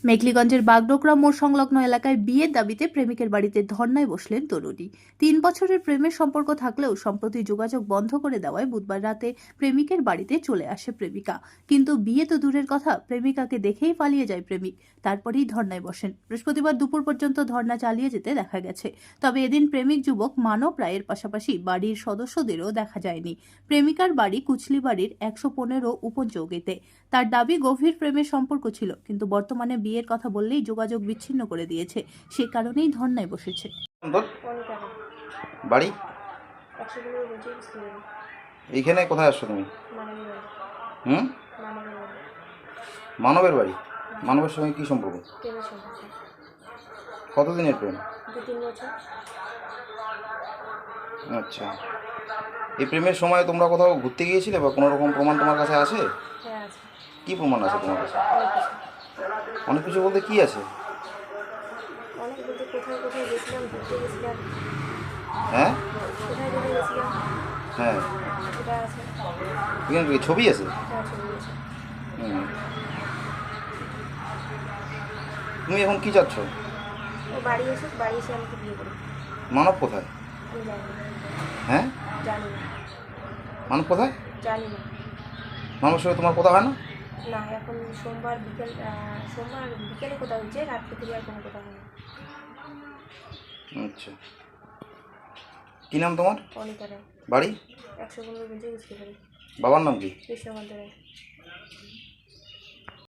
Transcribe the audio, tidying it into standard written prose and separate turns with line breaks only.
মেঘলিগঞ্জের বাগডোগরা মোড় সংলগ্ন এলাকায় বিয়ের দাবিতে প্রেমিকের বাড়িতে ধর্নায় বসলেন তরুণী। 3 বছরের প্রেমের সম্পর্ক থাকলেও সম্প্রতি যোগাযোগ বন্ধ করে দেওয়ায় বুধবার রাতে প্রেমিকের বাড়িতে চলে আসে প্রেমিকা। কিন্তু বিয়ে তো দূরের কথা, প্রেমিকাকে দেখেই পালিয়ে যায় প্রেমিক, তারপরেই ধর্নায় বসেন। বৃহস্পতিবার দুপুর পর্যন্ত ধর্না চালিয়ে যেতে দেখা গেছে। তবে এদিন প্রেমিক যুবক মানব রায়ের পাশাপাশি বাড়ির সদস্যদেরও দেখা যায়নি। প্রেমিকার বাড়ি কুচলিবাড়ির 115 উপচৌকিতে। তার দাবি গভীর প্রেমের সম্পর্ক ছিল, কিন্তু বর্তমানে বিয়ের কথা বললেই যোগাযোগ বিচ্ছিন্ন করে দিয়েছে। সে কারণেই ধর্নায় বসেছে।
তোর বাড়ি এইখানে কোথায় আসছো তুমি? হুম, মানবের বাড়ি। মানবের সঙ্গে কি সম্পর্ক? কতদিনের প্রেম?
2-3 বছর।
আচ্ছা, এই প্রেমের সময় তোমরা কোথাও ঘুরতে গিয়েছিলে বা কোনো রকম প্রমাণ তোমার কাছে আছে?
হ্যাঁ আছে,
কি প্রমাণ আছে তোমার কাছে?
অনেক কিছু।
অনেক কিছু বলতে কি আছে?
অনেক বলতে কোথায় কোথায় গেছিলাম, ঘুরতে গেছিলাম,
হ্যাঁ
কোথায় কোথায় গেছিলাম
হ্যাঁ,
সেটা আছে।
এখানে কি ছবি আছে?
হ্যাঁ, ছবি আছে।
হুম, তুমি এখন কি চাচ্ছ?
ও বাড়ি এসুক, বাড়ি এসে আমাকে বিয়ে করুক।
মানব কোথায়?
আমি জানি না,
হ্যাঁ,
জানি না,
মানব কোথায়?
জানি না।
মানবের সঙ্গে তোমার কথা হয় না?
না, এখন সোমবার বিকেলে কোথাও হয়েছে, রাত্রে থেকে আর কোনো কথা হয় না।
আচ্ছা, কী নাম তোমার?
অনিতা রায়,
বাড়ি?
115 বুঝতে পারি।
বাবার নাম কি?
কৃষ্ণকান্ত রায়।